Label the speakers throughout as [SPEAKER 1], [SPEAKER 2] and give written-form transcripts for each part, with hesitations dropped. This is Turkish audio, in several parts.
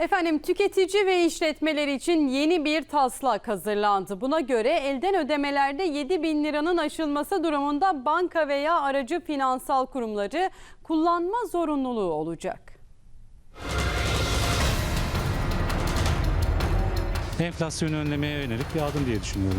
[SPEAKER 1] Efendim, tüketici ve işletmeler için yeni bir taslak hazırlandı. Buna göre elden ödemelerde 7.000 liranın aşılması durumunda banka veya aracı finansal kurumları kullanma zorunluluğu olacak.
[SPEAKER 2] Enflasyonu önlemeye yönelik bir adım diye düşünüyorum.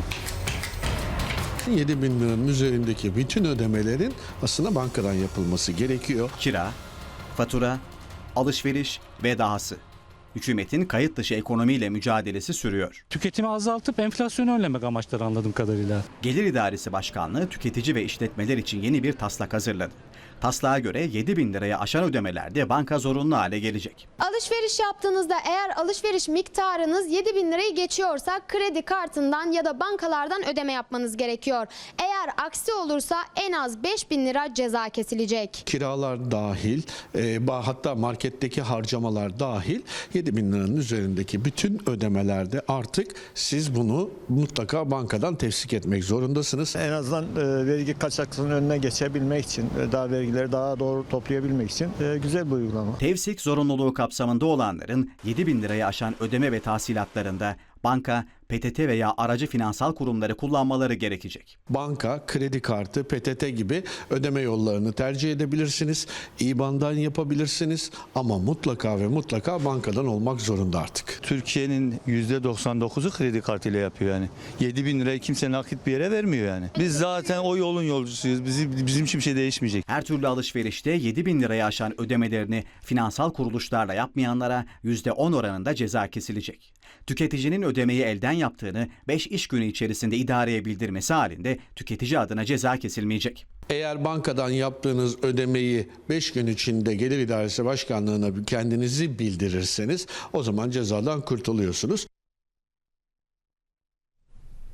[SPEAKER 3] 7.000 liranın üzerindeki bütün ödemelerin aslında bankadan yapılması gerekiyor.
[SPEAKER 4] Kira, fatura, alışveriş ve dahası. Hükümetin kayıt dışı ekonomiyle mücadelesi sürüyor.
[SPEAKER 2] Tüketimi azaltıp enflasyonu önlemek amaçları anladığım kadarıyla.
[SPEAKER 4] Gelir İdaresi Başkanlığı tüketici ve işletmeler için yeni bir taslak hazırladı. Taslağa göre 7.000 liraya aşan ödemelerde banka zorunlu hale gelecek.
[SPEAKER 5] Alışveriş yaptığınızda eğer alışveriş miktarınız 7.000 lirayı geçiyorsa kredi kartından ya da bankalardan ödeme yapmanız gerekiyor. Eğer aksi olursa en az 5.000 lira ceza kesilecek.
[SPEAKER 3] Kiralar dahil, hatta marketteki harcamalar dahil 7.000 liranın üzerindeki bütün ödemelerde artık siz bunu mutlaka bankadan tefsik etmek zorundasınız.
[SPEAKER 6] En azından vergi kaçakçılığının önüne geçebilmek için, daha vergileri daha doğru toplayabilmek için güzel bir uygulama.
[SPEAKER 4] Tevsik zorunluluğu kapsamında olanların 7.000 liraya aşan ödeme ve tahsilatlarında banka, PTT veya aracı finansal kurumları kullanmaları gerekecek.
[SPEAKER 3] Banka, kredi kartı, PTT gibi ödeme yollarını tercih edebilirsiniz. İBAN'dan yapabilirsiniz ama mutlaka ve mutlaka bankadan olmak zorunda artık.
[SPEAKER 7] Türkiye'nin %99'u kredi kartıyla yapıyor yani. 7.000 lirayı kimse nakit bir yere vermiyor yani. Biz zaten o yolun yolcusuyuz. Bizim için bir şey değişmeyecek.
[SPEAKER 4] Her türlü alışverişte 7.000 liraya aşan ödemelerini finansal kuruluşlarla yapmayanlara %10 oranında ceza kesilecek. Tüketicinin ödemeyi elden yaptığını 5 iş günü içerisinde idareye bildirmesi halinde tüketici adına ceza kesilmeyecek.
[SPEAKER 3] Eğer bankadan yaptığınız ödemeyi 5 gün içinde Gelir İdaresi Başkanlığı'na kendinizi bildirirseniz o zaman cezadan kurtuluyorsunuz.